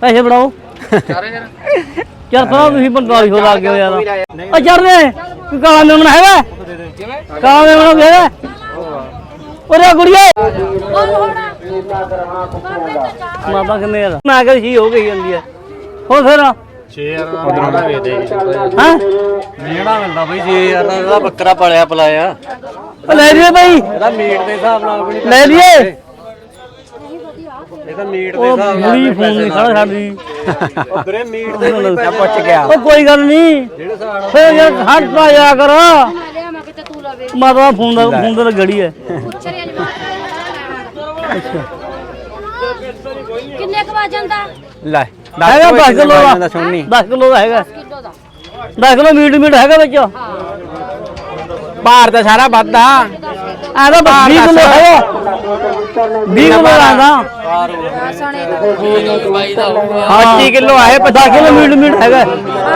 ਪੈਸੇ ਬਣਾਓ 4000 ਚੱਲ ਪਾ ਤੁਸੀਂ 4500 ਲਾ ਕੇ ਯਾਰ ਓ ਚੜਨੇ ਕੋਈ ਕਾਲਾ ਮੇਮਣਾ ਹੈਗਾ ਕਿਵੇਂ ਕਾਲਾ ਮੇਮਣਾ ਹੈਗਾ ਓਰੇ ਗੁੜੀਏ ਮਾਤਾ ਕਿੰਨੇ ਯਾਰ ਮੈਂ ਕਿਹਾ ਸੀ ਹੋ ਗਈ ਜਾਂਦੀ ਹੈ ਹੋਰ ਫਿਰ 6000 ਦਾ ਵੇਚ ਦੇ ਹਾਂ ਮੇੜਾ ਮਿਲਦਾ ਬਈ 6000 ਦਾ ਇਹਦਾ ਬੱਕਰਾ ਪਲਿਆ ਪਲਾਇਆ ਉਹ ਲੈ ਲਈਏ ਬਈ ਇਹਦਾ ਮੀਟ ਦੇ ਹਿਸਾਬ ਨਾਲ ਵੀ ਲੈ ਲਈਏ ਇਹਦਾ ਮੀਟ ਦੇ ਉਹ ਹਿਸਾਬ ਨਾਲ ਬੁੜੀ ਫੋਨ ਨਹੀਂ ਖੜਾ ਸਾਡੀ ਉਹ ਵੀਰੇ ਮੀਟ ਦੇ ਵੀ ਪੈਸੇ ਪੁੱਛ ਗਿਆ ਉਹ ਕੋਈ ਗੱਲ ਨਹੀਂ ਜਿਹੜੇ ਹਿਸਾਬ ਨਾਲ ਫੇਰ ਯਾਰ ਹਟ ਪਾ ਜਾ ਕਰ ਲਿਆ ਮੈਂ ਕਿਤੇ ਤੂੰ ਲਵੇ ਮਾਤਾ ਫੋਨ ਦਾ ਗੜੀ ਹੈ ਪੁੱਛ ਰਹੀ ਕਿੰਨੇ ਕੁ ਵਜਨ ਦਾ ਲੈ ਹੈਗਾ 10 ਕਿਲੋ ਦਾ ਦਾ ਸੁਣਨੀ 10 ਕਿਲੋ ਦਾ ਹੈਗਾ ਕਿਲੋ ਦਾ 10 ਕਿਲੋ ਮੀਟ ਹੈਗਾ ਵਿੱਚ ਭਾਰ ਤਾਂ ਸਾਰਾ ਵੱਧਦਾ ਆ ਤਾਂ 20 ਕਿਲੋ ਹੈਗਾ 20 ਕਿਲੋ ਆਂਦਾ ਸਣੇ ਹਾਂ 25 ਕਿਲੋ ਆਏ 10 ਕਿਲੋ ਮੀਟ ਹੈਗਾ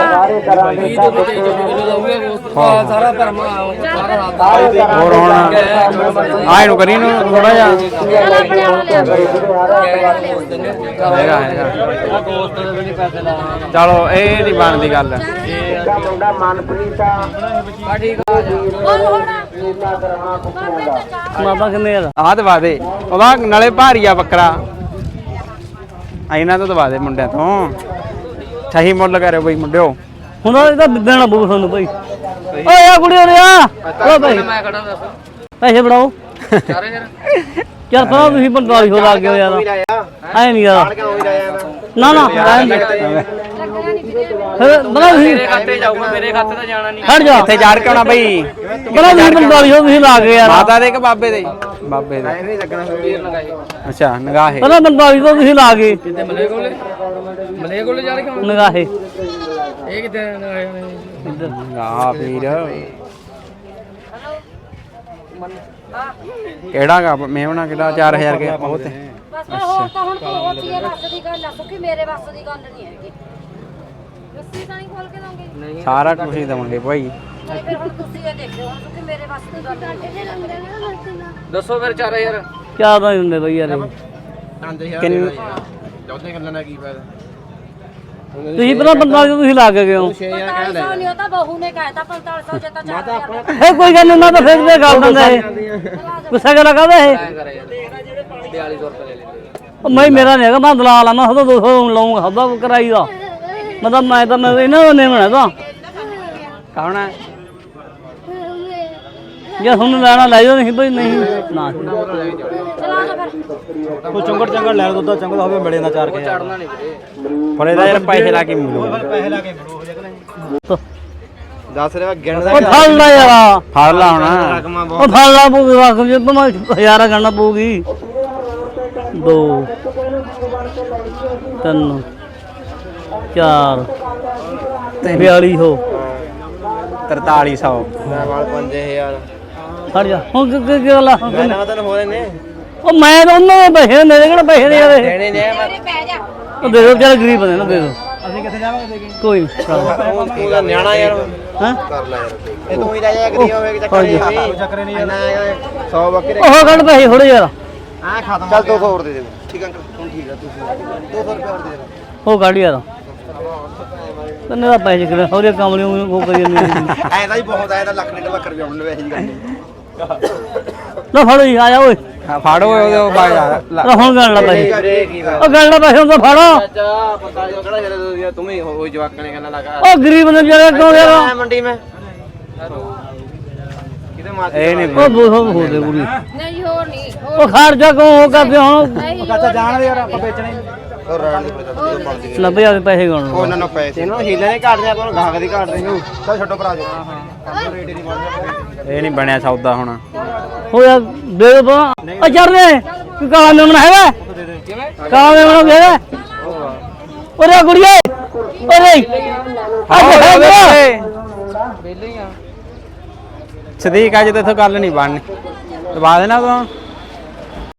ਸਾਰਾ ਭਰਮਾ ਸਾਰਾ ਹੋਰ ਹੁਣ ਆਏ ਨੂੰ ਕਰੀ ਨੂੰ ਥੋੜਾ ਜਿਹਾ ਹੈਗਾ ਦੋਸਤ ਦੇ ਵੀ ਨਹੀਂ ਪੈਸੇ ਲਾ ਚਲੋ ਇਹ ਨਹੀਂ ਬਣਦੀ ਗੱਲ ਮਾਤਾ ਕਿੰਨੇ ਯਾਰ ਆਹ ਦਵਾ ਦੇ ਉਹਦਾ ਨਾਲੇ ਭਾਰੀ ਆ ਬੱਕਰਾ ਇਹਨਾਂ ਤੋਂ ਦਵਾ ਦੇ ਮੁੰਡਿਆਂ ਤੋਂ ਸਹੀ ਮੁੱਲ ਕਰਿਓ ਬਈ ਮੁੰਡਿਓ ਹੁਣ ਇਹਦਾ ਦੇਣਾ ਬੂ ਤੁਹਾਨੂੰ ਭਾਈ ਓਏ ਆ ਕੁੜੀ ਓਰੇ ਆ ਓ ਭਾਈ ਮੈਂ ਖੜਾ ਦੱਸ ਪੈਸੇ ਬਣਾਓ 4000 ਚੱਲ ਪਾ ਤੁਸੀਂ 4500 ਲਾ ਕੇ ਯਾਰ ਐ ਨਹੀਂ ਯਾਰ ਨਾ ਨਾ ਫਿਰ ਬਣਾ ਤੁਸੀਂ ਮੇਰੇ ਖਾਤੇ ਜਾਊਗਾ ਮੇਰੇ ਖਾਤੇ ਤਾਂ ਜਾਣਾ ਨਹੀਂ ਖੜ ਜਾ ਇੱਥੇ ਜਾੜ ਕੇ ਆਉਣਾ ਬਈ ਬਣਾ ਤੁਸੀਂ 4500 ਤੁਸੀਂ ਲਾ ਕੇ ਯਾਰ ਮਾਤਾ ਦੇ ਕਿ ਬਾਬੇ ਦੇ ਬਾਬੇ ਦੇ ਵੀਰ ਲਗਾਏ ਅੱਛਾ ਨਿਗਾਹੇ ਪਹਿਲਾਂ 4500 ਤੁਸੀਂ ਲਾ ਕੇ ਕਿਤੇ ਮਲੇ ਕੋਲੇ ਜਾ ਰਹੇ ਨਿਗਾਹੇ ਇਹ ਕਿਤੇ ਲਗਾਏ ਹੋਣੇ ਨਿਗਾਹ ਵੀਰ ਕਿਹੜਾ ਗਾ ਮੇਵਣਾ ਕਿਹੜਾ 4000 ਕੇ ਬਹੁਤ ਬਸ ਹੋਰ ਤਾਂ ਹੁਣ ਤੂੰ ਹੋਤੀ ਹੈ ਬਸ ਦੀ ਗੱਲ ਦੱਸੋ ਕਿ ਮੇਰੇ ਬਸ ਦੀ ਗੱਲ ਨਹੀਂ ਹੈਗੀ ਰੱਸੀ ਤਾਂ ਨਹੀਂ ਖੋਲ ਕੇ ਦੋਗੇ ਸਾਰਾ ਕੁਝ ਹੀ ਦਵਾਂਗੇ ਭਾਈ ਨਹੀਂ ਫਿਰ ਹੁਣ ਤੁਸੀਂ ਇਹ ਦੇਖੋ ਹੁਣ ਕਿ ਮੇਰੇ ਬਸ ਦੀ ਗੱਲ ਨਹੀਂ ਦੱਸੋ ਫਿਰ 4000 ਕਿਆ ਦਾ ਹੁੰਦੇ ਬਈ ਯਾਰ ਇਹ? ਕਿੰਨ ਚੌਥੇ ਗੱਲਾਂ ਦਾ ਕੀ ਫਾਇਦਾ ਤੁਸੀਂ ਪਹਿਲਾਂ 4500 ਤੁਸੀਂ ਲਾ ਕੇ ਗਏ ਹੋ 4500 ਨਹੀਂ ਉਹ ਤਾਂ ਬਹੂ ਨੇ ਕਹਿਤਾ 4500 ਜੇ ਤਾਂ 4000 ਇਹ ਕੋਈ ਗੱਲ ਨਹੀਂ ਮੈਂ ਤਾਂ ਫਿਰ ਵੀ ਗੱਲ ਦਿੰਦਾ ਇਹ ਗੁੱਸਾ ਕਰ ਲਗਾਦਾ ਇਹ ਕਰੇ ਯਾਰ 4200 ਰੁਪਏ ਲੈ ਲੈਂਦੇ ਉਹ ਮੈਂ ਮੇਰਾ ਨਹੀਂ ਹੈਗਾ ਮੈਂ ਦਲਾਲ ਆ ਮੈਂ ਉਹਦਾ 200 ਲਾਉਂਗਾ ਹੱਦਾ ਕਰਾਈ ਦਾ ਮਤਲਬ ਮੈਂ ਇਹਨਾਂ ਦਾ ਨਹੀਂ ਬਣਾ ਤਾਂ ਕੌਣ ਹੈ ਜੇ ਤੁਹਾਨੂੰ ਲੈਣਾ ਲੈ ਜਾਓ ਨਹੀਂ ਬਈ ਨਹੀਂ ਨਾ ਚਲਾ ਜਾ ਫਿਰ ਤੂੰ ਚੰਗੜ ਲੈ ਦੁੱਧ ਚੰਗੜ ਹੋਵੇ ਮਿਲੇ ਨਾ 4000 ਚੜਨਾ ਨਹੀਂ ਵੀਰੇ ਫੜੇ ਦਾ ਯਾਰ ਪੈਸੇ ਲਾ ਕੇ ਮਿਲੂ ਪੈਸੇ ਲਾ ਕੇ ਮਿਲੋ ਹੋ ਜਾਣਾ ਦੱਸ ਰਿਹਾ ਗਿਣਦਾ ਉਹ ਫੜ ਲੈ ਯਾਰ ਫੜ ਲਾ ਹੁਣ ਉਹ ਫੜ ਲਾ ਪਊਗੀ ਵਾਕ ਜੇ ਮੈਂ ਹਜ਼ਾਰਾਂ ਗਣਨਾ ਪਊਗੀ 2 3 4 4200 4300 ਵਾਲ 5000 ਫੜ ਜਾ ਹੁਣ ਕੀ ਗੱਲ ਆ ਨਾ ਤੈਨੂੰ ਹੋ ਰਹੇ ਨੇ ਉਹ ਮੈਂ ਤਾਂ ਉਹਨਾਂ ਦੇ ਪੈਸੇ ਮੇਰੇ ਕਿਹੜਾ ਪੈਸੇ ਨੇ ਯਾਰ ਇਹ ਦੇਣੇ ਨੇ ਮੇਰੇ ਪੈ ਜਾ ਉਹ ਦੇ ਦਿਓ ਚੱਲ ਗਰੀਬ ਬੰਦੇ ਨਾ ਦੇ ਦਿਓ ਅਸੀਂ ਕਿੱਥੇ ਜਾਵਾਂਗੇ ਦੇ ਕੇ ਕੋਈ ਨਹੀਂ ਤੂੰ ਦਾ ਨਿਆਣਾ ਯਾਰ ਹਾਂ ਕਰ ਲੈ ਯਾਰ ਇਹ ਤੂੰ ਹੀ ਰਹਿ ਜਾ ਗਰੀਬ ਹੋਵੇ ਕਿ ਚੱਕਰ ਨਹੀਂ ਯਾਰ 100 ਬੱਕਰੇ ਉਹ ਕੱਢ ਪੈਸੇ ਥੋੜੇ ਯਾਰ ਆ ਖਤਮ ਚੱਲ 200 ਹੋਰ ਦੇ ਦੇ ਠੀਕ ਅੰਕਲ ਹੁਣ ਠੀਕ ਆ 200 ਰੁਪਏ ਹੋਰ ਦੇ ਦੇ ਉਹ ਕੱਢ ਯਾਰ ਤੈਨੂੰ ਦਾ ਪੈਸੇ ਕਿਹੜੇ ਹੋਰੇ ਕਮਲੇ ਉਹ ਕਰੀ ਜਾਂਦੀ ਐ ਤਾਂ ਹੀ ਬਹੁਤ ਆਇਆ ਤਾਂ ਲੱਖ ਡੇਢ ਲੱਖ ਰੁਪਏ ਆਉਣ ਵੈਸੇ ਹੀ ਗੱਲ ਨਾ ਫੜੋ ਜੀ ਆ ਜਾ ਓਏ ਫਾੜੋ ਉਹਦੇ ਬਾਈ ਆ ਹੁਣ ਗਣ ਲਾ ਪੈਸੇ ਕੀ ਉਹ ਗਣ ਲਾ ਪੈਸੇ ਹੁੰਦਾ ਫੜੋ ਚਾਚਾ ਪਤਾ ਜੋ ਕਿਹੜਾ ਜਿਹੜੇ ਤੂੰ ਹੀ ਉਹ ਜਵਾਕਾਂ ਨੇ ਕਹਿੰਦਾ ਲਗਾ ਉਹ ਗਰੀਬ ਨੇ ਜਿਹੜੇ ਕਿਉਂ ਯਾਰ ਮੰਡੀ ਮੈਂ ਕਿਤੇ ਮਾਰ ਇਹ ਨਹੀਂ ਉਹ ਬਹੁਤ ਹੋ ਦੇ ਕੁੜੀ ਨਹੀਂ ਹੋਰ ਨਹੀਂ ਉਹ ਖਰਚਾ ਕਿਉਂ ਹੋ ਕਰਦੇ ਹੁਣ ਨਹੀਂ ਚਾਚਾ ਜਾਣ ਦੇ ਯਾਰ ਆਪਾਂ ਵੇਚਣੇ ਉਹ ਰਹਿਣ ਦੇ ਪਰੇ 90000 ਪੈਸੇ ਗਣ ਉਹਨਾਂ ਨੂੰ ਪੈਸੇ ਇਹਨੂੰ ਹੀਲੇ ਨੇ ਘਾਟਦੇ ਆਪਾਂ ਨੂੰ ਗਾਹਕ ਦੀ ਘਾਟ ਰਹੀ ਚੱਲ ਛੱਡੋ ਭਰਾ ਜੋ ਹਾਂ ਰੇਟ ਹੀ ਨਹੀਂ ਬਣਦਾ ਇਹ ਨਹੀਂ ਬਣਿਆ ਸੌਦਾ ਹੁਣ ਹੋ ਯਾਰ ਦੇ ਦੋ ਉਹ ਚੜਨੇ ਕੀ ਕਾਲਾ ਮੇਮਣਾ ਹੈਗਾ ਕਿਵੇਂ ਕਾਲਾ ਮੇਮਣਾ ਹੈਗਾ ਓਰੇ ਗੁੜੀਏ ਓਰੇ ਅੱਜ ਹੈਗਾ ਵਿਹਲੇ ਹੀ ਆ ਸਦੀਕ ਅੱਜ ਤੇ ਇੱਥੋਂ ਗੱਲ ਨਹੀਂ ਬਣਨੀ ਦਵਾ ਦੇਣਾ ਤੂੰ